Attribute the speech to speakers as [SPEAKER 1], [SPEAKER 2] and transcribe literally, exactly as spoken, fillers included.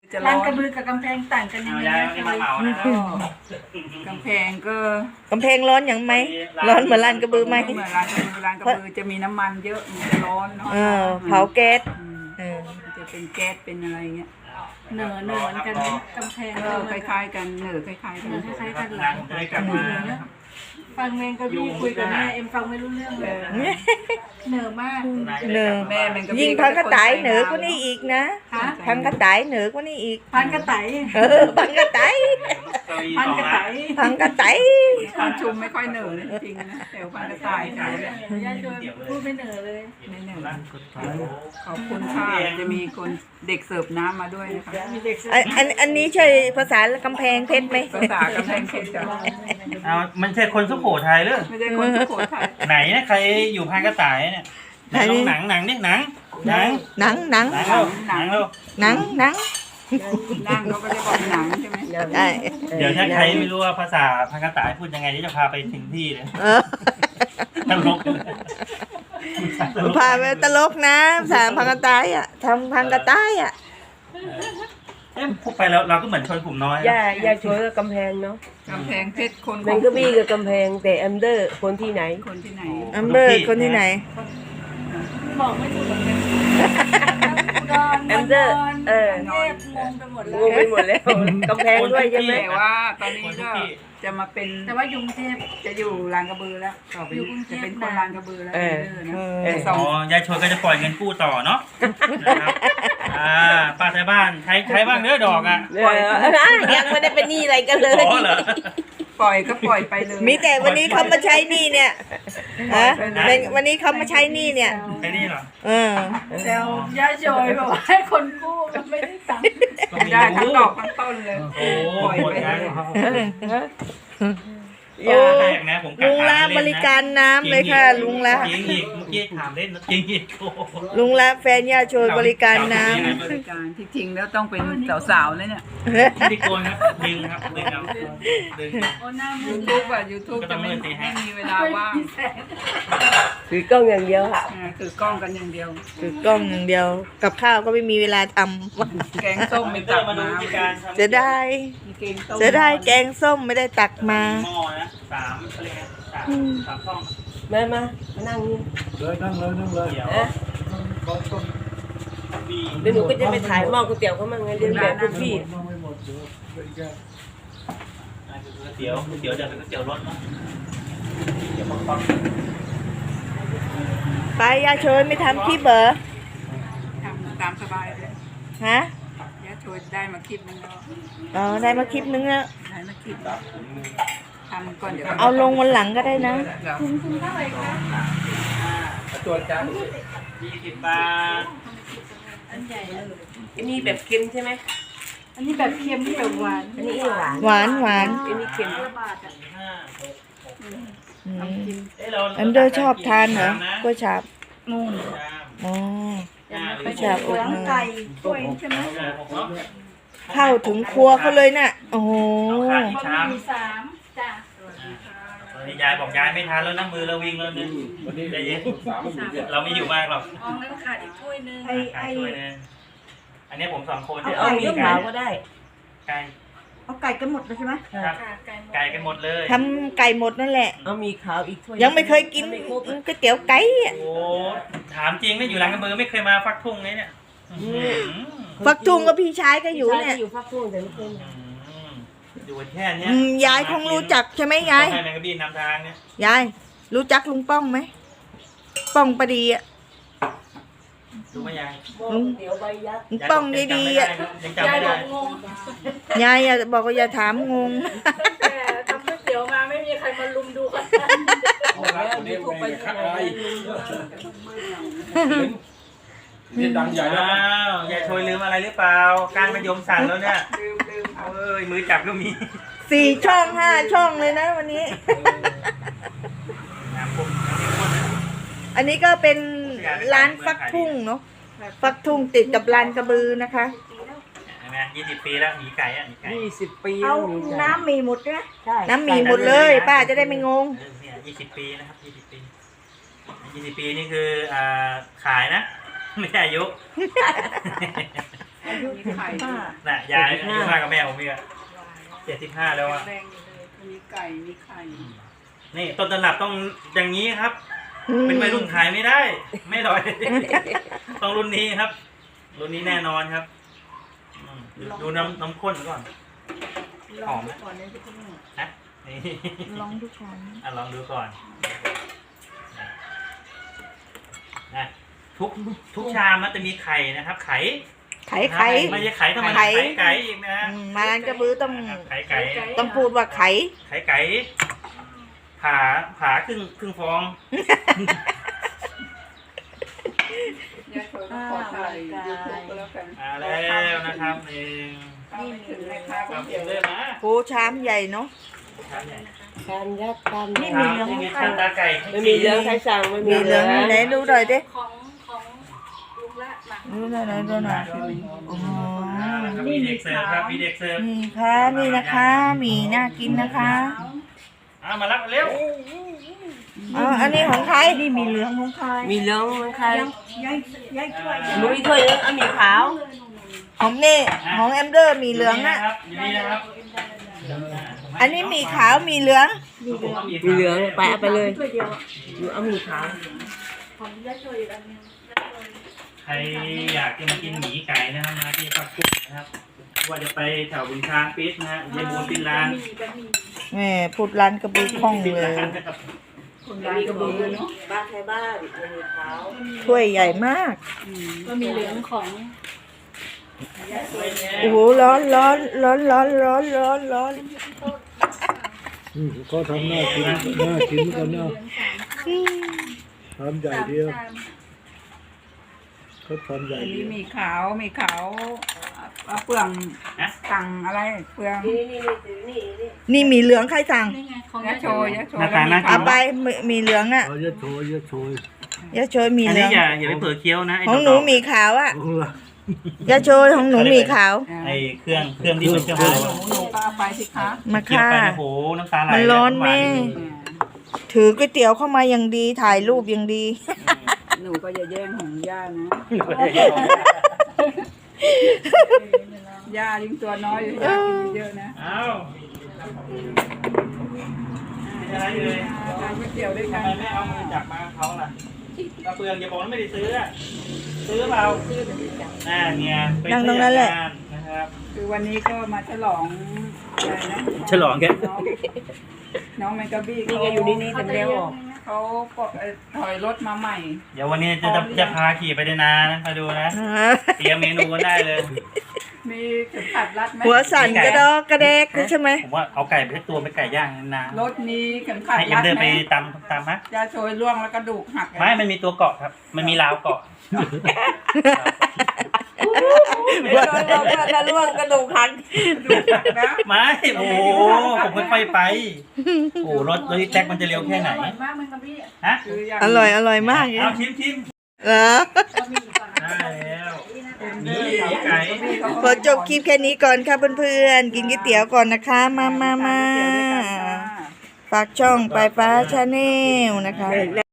[SPEAKER 1] ลานกระบือกับกำแพงต่างกันยังไงกำแพงก็
[SPEAKER 2] กำแพงร้อนอย่างไหมร้อนเหมือนลานกระบือไหม
[SPEAKER 1] เหมือนลานกระบือลานกระบือจะมีน้ำมันเยอะมันจะร้อนเนาะ
[SPEAKER 2] เออเผาแก๊ส
[SPEAKER 1] เออจะเป็นแก๊สเป็นอะไรเงี้ย
[SPEAKER 3] เหนือเหนือเหมือนกันกำแพง
[SPEAKER 1] ก็คล้ายๆกันเหนือคล้ายๆกัน
[SPEAKER 3] คล้ายๆกันเลยฟังแมงกะบี้คุยกับแม่เอ็มฟังไม่รู้เรื่องเลยเหนือมาก
[SPEAKER 2] เหนือ
[SPEAKER 1] แม่มันก็
[SPEAKER 2] ยิ่งพังกระต่ายเหนือกว่านี้อีกนะพังกระต่ายเหนือกว่านี้อีก
[SPEAKER 3] พันกระต่าย
[SPEAKER 2] เออพังกระต่าย
[SPEAKER 3] พันกระต่าย
[SPEAKER 2] พังกระต่าย
[SPEAKER 1] พันชุมไม่ค่อยเหนือจริงนะแต่พันกระต่ายเขาเนี่ย
[SPEAKER 3] ย่าชวนพูดไม่เหนือเลย
[SPEAKER 1] ไม่เหนือขอบคุณค่ะจะมีคนเด็กเสิร์ฟน้ำมาด้วยนะคะ
[SPEAKER 2] อันอันนี้ใช่ภาษากำแพงเพชรไหม
[SPEAKER 1] ภาษากำแพงเพชรจ้ะ
[SPEAKER 4] เอามันใช่คนสุโขทัยหรือ
[SPEAKER 1] ไม่ใช่คนสุโขทัย
[SPEAKER 4] ไหนนะใครอยู่พันกระต่ายเนี่ยไหนลองหนังหนังนี่หนังหนัง
[SPEAKER 2] หนังหนัง
[SPEAKER 4] หนังเราหนังเรา
[SPEAKER 2] หนังหนัง
[SPEAKER 1] นั่งเขาก็จะบอกหนังใช่ไหม
[SPEAKER 2] ใช่
[SPEAKER 4] เดี๋ยวถ้าใครไม่รู้ว่าภาษาพันกระต่ายพูดยังไงจะพาไปถึงที่เลยตลก
[SPEAKER 2] พาไปตลกนะภาษาพังกระต่ายอ่ะทำพังกระต่ายอ่ะ
[SPEAKER 4] เอ๊ะพูดไปแล้วเราก็เหมือนชนกลุ่มน้อย
[SPEAKER 5] ย่าย่าช่วยกับกำแพงเนาะ
[SPEAKER 1] กำแพงเพชรคน
[SPEAKER 5] แมงกะบี้กับกำแพงแต่แอมเดอร์คนที่ไหน
[SPEAKER 1] คนที่ไหน
[SPEAKER 2] แอมเดอร์คนที่ไหน
[SPEAKER 3] บอกไม่ถูกเหมือนกัน
[SPEAKER 5] แอมเดอร์เออ
[SPEAKER 3] เทพงงไปหมดแล้ว
[SPEAKER 5] งงไปหมดแล้วกำแพงด้วยใช่ไหม
[SPEAKER 1] แต่ว่าตอนนี้ก็จะมาเป็น
[SPEAKER 3] แต่ว่ายุงเทพ
[SPEAKER 1] จะอยู่ลานกระบือแล้วต่อไปจะเป็นคนลานกระบือแล้วเออ
[SPEAKER 4] อ๋อยายชวนก็จะปล่อยเงินกู้ต่อเนาะอ่าป้าไทยบ้านใช้ใช้บ้างเนื้อดอกอ่ะ
[SPEAKER 5] ยังไม่ได้เป็นหนี้อะไรกันเลย
[SPEAKER 1] ปล่อยก็ปล่อยไปเลย
[SPEAKER 2] มีแต่วันนี้เขามาใช้หนี้เนี่ยฮะวันนี้เขามาใช้หนี้เนี่ย
[SPEAKER 4] ใช้หนี้เหรอ
[SPEAKER 2] เออ
[SPEAKER 3] แซวย่าโจยบอกว่าให้คนกู้ไม่ได้ตังค์
[SPEAKER 1] ไม่ได้ทั้งดอกทั้งต้นเลย
[SPEAKER 4] โอ้ปล่อยไปเลย
[SPEAKER 2] โอ้ลุงละบริการน้ำเลยค่ะลุงละ
[SPEAKER 4] จริงอีกเมื่อกี้ถามเล่นจริงอีก
[SPEAKER 2] ลุงละแฟนย่าโชยบริการน้
[SPEAKER 1] ำบริการที่จริงแล้วต้องเป็นสาวๆเลยเนี่ย
[SPEAKER 4] ที่โกนครับดึงครับดึงเอาดึง
[SPEAKER 1] ยูทูบอะยูทูบจะไม่ไม่มีเวลาว่าง
[SPEAKER 5] ถือกล้องอย่างเดียวค่ะ
[SPEAKER 1] ถือกล้องกันอย่างเดียว
[SPEAKER 2] ถือกล้องอย่างเดียวกับข้าวก็ไม่มีเวลาท
[SPEAKER 1] ำแกงส้มไม่ตักมา
[SPEAKER 2] จะได้จะได้แกงส้มไม่ได้ตักมา
[SPEAKER 4] สามอะไรเงี้ยสามสามช่อง
[SPEAKER 5] มามานั่งนี่
[SPEAKER 6] เลยนั่งเลยนั่งเลย
[SPEAKER 5] เดี๋ยวหนูก็จะไปถ่ายหม้อก๋วยเตี๋ยวเขามั่งไงเรียนแบบพวกพี่
[SPEAKER 4] ก๋วยเตี๋ยวก๋วยเตี๋ยวจะเป็นก๋วยเตี๋ยวรสเนาะเดี๋ยวปัง
[SPEAKER 2] ไปยาโชยไม่ทำคลิปเหรอ
[SPEAKER 1] ทำตามสบายเลย
[SPEAKER 2] ฮะ
[SPEAKER 1] ยาโชยได้มาคลิปนึงแล้ว
[SPEAKER 2] อ๋อได้มาคลิปนึงแล้ว
[SPEAKER 1] ได้มาคลิปทำก่อนเดี๋ยว
[SPEAKER 2] เอาลงวันหลังก็ได้นะ
[SPEAKER 3] คุณคุณเท่าไหร่คะ
[SPEAKER 4] ตัวจานยี่สิบบาท
[SPEAKER 3] อันใหญ่เลย
[SPEAKER 5] อันนี้แบบเค็มใช่ไหม
[SPEAKER 3] อันนี้แบบเค็มนี่แบบหวาน
[SPEAKER 5] อันนี้หวาน
[SPEAKER 2] หวานหวาน
[SPEAKER 5] อันนี้เค็ม
[SPEAKER 3] บาทอ่ะ
[SPEAKER 2] อันเดอร์ชอบทานเหรอก๋วยจั๊บ
[SPEAKER 3] นู่น
[SPEAKER 2] อ๋อก๋วยจั๊บอกเนย
[SPEAKER 3] ไก่กล้วยใช่ไหม
[SPEAKER 2] เข้าถึงครัวเขาเลยน่ะโอ้โห
[SPEAKER 3] มีสามจ้ะ
[SPEAKER 4] ยายบอกยายไม่ทานแล้วนั่งมือเราวิ่งแล้วนึงใจเย็นเราไม่อยู่มากหรอก
[SPEAKER 3] อ๋องั้นขาดอีกถ้วยนึง
[SPEAKER 4] ขาดถ้วยนึงอันนี้ผมสองคน
[SPEAKER 5] เอามีขาวก็ได้
[SPEAKER 4] ไก่
[SPEAKER 3] เอาไก่กันหมดเลยใช่ไหม
[SPEAKER 4] ไก่กันหมดเลย
[SPEAKER 2] ทำไก่หมดนั่นแหละ
[SPEAKER 5] เอามีขาวอีกถ้วย
[SPEAKER 2] ยังไม่เคยกินก๋วยเตี๋ยวไก่อ่ะ
[SPEAKER 4] โอ้ถามจริงไม่อยู่ร้านกระเบือไม่เคยมาฟักทุ่งเลยเนี่ย
[SPEAKER 2] ฟักทุ่งกับพี่ชายก็อยู่เนี่ย
[SPEAKER 5] อยู่ฟักทุ่งแต่ไม่เคยมา
[SPEAKER 4] อยู่แค่นี้
[SPEAKER 2] ยายคงรู้จักใช่ไหมยาย
[SPEAKER 4] ให้แมงกะบี้นำทางเนี่ย
[SPEAKER 2] ยายรู้จักลุงป้องไหมป้องปดีอ่ะ
[SPEAKER 4] รู้ไหมยาย
[SPEAKER 2] ลุงป้องดีๆอ่ะ
[SPEAKER 3] ยายบอกงง
[SPEAKER 2] ยายอย่าบอกว่าอย่าถามงง
[SPEAKER 3] แต่ทำก๋วยเตี๋ยวมาไม่มีใครมาลุมดูกัน
[SPEAKER 6] นี่ไปขัดอะไรนี่ดังใหญ่แล้ว
[SPEAKER 4] อย่าโชยลืมอะไรหรือเปล่าการมายมสั่นแล้วเนี่ยลืมลืมเอ้ยมือจับก็มี
[SPEAKER 2] สี่ช่องห้าช่องเลยนะวันนี้อันนี้ก็เป็นร้านฟักทุ่งเนาะฟักทุ่งติดกับลานกระบือนะคะ
[SPEAKER 4] ยี่สิบปีแล้วหมีไก่อ่ะหมีไก่
[SPEAKER 5] ยี่สิบปี
[SPEAKER 3] เอาน้ำมีหมดใช่ไหม
[SPEAKER 2] ใช่น้ำมีหมดเลยป้าจะได้ไม่งง
[SPEAKER 4] เนี่ยยี่สิบปีนะครับยี่สิบปียี่สิบปีนี่คืออ่าขายนะไม่ใช่อายุ
[SPEAKER 1] อายุมีไข่ด้วย
[SPEAKER 4] น่ะยายอายุมากกว่าแม่ผมอีกอะเจ็ดสิบห้าแล้วอะ
[SPEAKER 1] แรงอยู่เลยมีไก่มีไข่
[SPEAKER 4] นี่ต้นตำรับต้องอย่างนี้ครับ เป็นวัยรุ่นขายไม่ได้ ไม่อร่อย ต้องรุ่นนี้ครับ รุ่นนี้แน่นอนครับอืมดูดูน้ำน้ำข้นก่อนหอมไหม
[SPEAKER 1] ก่อนเลยที่คุณ
[SPEAKER 4] ฮะนี่
[SPEAKER 2] ลองดูก่อน
[SPEAKER 4] อ่ะลองดูก่อนนะทุกทุกชามมันจะมีไข่นะครับ ไข่
[SPEAKER 2] ไข่ไข่
[SPEAKER 4] ไม่ใช่ไข่ธรรม
[SPEAKER 2] ไข่
[SPEAKER 4] ดาไข่ไก่อีกนะ
[SPEAKER 2] อืมมาร้านกระบือต้อง
[SPEAKER 4] ไข่ไก่
[SPEAKER 2] ต้องพูดว่าไข่
[SPEAKER 4] ไข่ไก่ผ่าผ่าครึ่งครึ่งฟอง
[SPEAKER 1] ยายเธอต้องขอถ่ายยูทูบก็แล้วกัน
[SPEAKER 4] มาแล้วนะครับเอง
[SPEAKER 1] นี่ถึงแม่ค้า
[SPEAKER 4] ค
[SPEAKER 1] ก็
[SPEAKER 4] รับ
[SPEAKER 1] เดี๋ยว
[SPEAKER 4] เริ่มนะ
[SPEAKER 2] โหชามใหญ่เนาะ
[SPEAKER 4] ครับเนี่ย
[SPEAKER 5] การยัดการ
[SPEAKER 2] นี่
[SPEAKER 5] ยัด
[SPEAKER 2] มี
[SPEAKER 4] มีชามตาไก่
[SPEAKER 5] ไม่มีเหลืองใครสั่งไม่มี
[SPEAKER 2] มีเหลืองไหนดูหน่อยดิ
[SPEAKER 3] ของของลุงละมา
[SPEAKER 2] ดูหน่อยไหนดูหน่อยอ๋อ
[SPEAKER 4] มีเด็กเสิร์ฟครับมีเด็กเสิร์ฟ
[SPEAKER 2] นี่ค่ะนี่นะคะหมีน่ากินนะคะ
[SPEAKER 4] เอามารับเร็ว
[SPEAKER 2] อ๋ออันนี้ของใครนี่มีเหลืองของใคร
[SPEAKER 5] มีเหลืองมันใคร
[SPEAKER 3] ยายยายช่วย
[SPEAKER 5] หนูมีถ้วยเหลืองเอามีขาว
[SPEAKER 2] ของนี่ของแอมเดอร์มีเหลือง
[SPEAKER 4] นะ
[SPEAKER 2] อะ
[SPEAKER 4] ครับอยู่นี่นะครับ
[SPEAKER 2] อันนี้มีขาวมีเหลือง
[SPEAKER 4] ผมเอามี
[SPEAKER 5] มีเหลืองไปเอาไปเลย
[SPEAKER 3] ช่วยเดียวอ่ะ
[SPEAKER 5] หนูเอามีขาว
[SPEAKER 3] ของยายช่วยอีกอันนึง
[SPEAKER 4] ใครอยากจะมากินหมีไก่นะครับมาที่ปักกุ้งนะครับว่าจะไปแถวบุญช้างปิสนะฮะเยบูนปินลาน
[SPEAKER 3] มีก็มี
[SPEAKER 2] แหม่พูดร้านกระบือคล่องเลย
[SPEAKER 1] คนร้านกระบือเนาะ
[SPEAKER 5] บ้านใครบ้านเอามีขาว
[SPEAKER 2] ถ้วยใหญ่มาก
[SPEAKER 3] ก็มีเหลืองของ
[SPEAKER 2] โอ้โหร้อนร้อนร้อนร้อนร้อนร้อนร้อน
[SPEAKER 6] อืมก็ทำหน้ากินหน้ากินกันเนาะทำใหญ่เดียวเขาทำใหญ่
[SPEAKER 1] อัน
[SPEAKER 6] เดี
[SPEAKER 1] นี้
[SPEAKER 6] ยว
[SPEAKER 1] มีขาวมีขาวเอาเปลืองสั่งอะไรเปลือง
[SPEAKER 5] นี่นี่นี่นี่นี่
[SPEAKER 2] นี่มีเหลืองใครสั่ง
[SPEAKER 3] นี่ไงของ
[SPEAKER 1] ยะ
[SPEAKER 3] ยาย
[SPEAKER 1] โช
[SPEAKER 3] ช่วย
[SPEAKER 1] ยะโชย
[SPEAKER 4] หน้าตาน่ากิ
[SPEAKER 2] เอา
[SPEAKER 4] น
[SPEAKER 2] ไปมีมีเหลืองอะ
[SPEAKER 6] เอาเยอะโชยเยอะโชย
[SPEAKER 2] ยาโชยมี
[SPEAKER 4] อัน
[SPEAKER 2] เหลื
[SPEAKER 4] นี้
[SPEAKER 2] อง
[SPEAKER 4] อย่าอย่าไปเผลอเคี้ยวนะไอ้
[SPEAKER 2] ของหนูมีขาวอะ
[SPEAKER 6] ของเรา
[SPEAKER 2] ยาโชยของหนูมีขาว
[SPEAKER 4] ไอ้เครื่องเครื่องที่เป็นเครื่อง
[SPEAKER 1] ห
[SPEAKER 4] โห
[SPEAKER 1] นูหนูก็เอาไปสิคะ
[SPEAKER 2] มา
[SPEAKER 4] เคี้ยว
[SPEAKER 2] ค่ะ
[SPEAKER 4] ไปนะโหน้ำตาไหล
[SPEAKER 2] มันร้อนแม่
[SPEAKER 1] อืม
[SPEAKER 2] ถือก๋วยเตี๋ยวเข้ามาอย่างดีถ่ายรูปอย่างดี
[SPEAKER 1] หนูก็อย่าแย่งของย่านะย่ายิ่งตัวน้อยอยู่ย่ากินเยอะๆนะ
[SPEAKER 4] เอ้าเป็นอะไรเลย
[SPEAKER 1] ทานก๋วยเตี๋ยวด้วยกั
[SPEAKER 4] ทำ
[SPEAKER 1] น
[SPEAKER 4] ไมไม่เอามือจับมาเขาล่ะกระเปืองอย่าบอกว่าไม่ได้ซื้ออะซื้อเปล่าน่าเนี่ยไป
[SPEAKER 2] นั่งตรงนั้นแหละ
[SPEAKER 4] ซื้อจากงานนะครับ
[SPEAKER 1] คือวันนี้ก็มาฉลองอะไรนะ
[SPEAKER 4] ฉลองแก
[SPEAKER 1] น้องน้องแมงกะบี้
[SPEAKER 5] นี่ไงอยู่นี่นี่แต่ไม่ได้ออก
[SPEAKER 1] เขาก็เอ่อถอยรถมาใหม่
[SPEAKER 4] เดี๋ยววันนี้จะจะจะพาขี่ไปในนานะมาดูนะ เตรียมเมนูกันได้เลย
[SPEAKER 1] มีเข็มขัดรัดไหม
[SPEAKER 2] หัวสั่นกระดอกกระแดกใช่ไหม
[SPEAKER 4] ผมว่าเอาไก่ไปสักตัวไปไก่ย่างนาน
[SPEAKER 1] รถมีเข็มขัด
[SPEAKER 4] ให้เอ็ม
[SPEAKER 1] รัด
[SPEAKER 4] เดิน
[SPEAKER 1] ไห
[SPEAKER 4] ไป
[SPEAKER 1] ม
[SPEAKER 4] ตามตามฮะ
[SPEAKER 1] ยาโชยล่วงแล้วกระดูกหัก
[SPEAKER 4] ไม่ มันมีตัวเกาะครับ มันมีราวเกาะ
[SPEAKER 5] เดี๋ยวเราเราจะล่วงกระดูกหัก
[SPEAKER 1] กระดูกหักนะ
[SPEAKER 4] ไม่ โอ้โหผมค่อยๆไป โอ้โหรถรถแจ็คมันจะเร็วแค่ไหน
[SPEAKER 3] อร่อยมากมันกะพี่
[SPEAKER 4] ฮะ
[SPEAKER 1] คืออย่าง
[SPEAKER 2] อร่อยอร่อยมากเลย
[SPEAKER 4] เอาชิมชิม
[SPEAKER 2] เหรอ
[SPEAKER 3] ก็มีก่อนนะ
[SPEAKER 4] ได้แล้ว
[SPEAKER 1] มี
[SPEAKER 4] มีไก่
[SPEAKER 2] ขอจบคลิปแค่นี้ก่อนค่ะเพื่อนๆ กินก๋วยเตี๋ยวก่อนนะคะ มามามาฝากช่องปลายฟ้าชาแนลนะคะ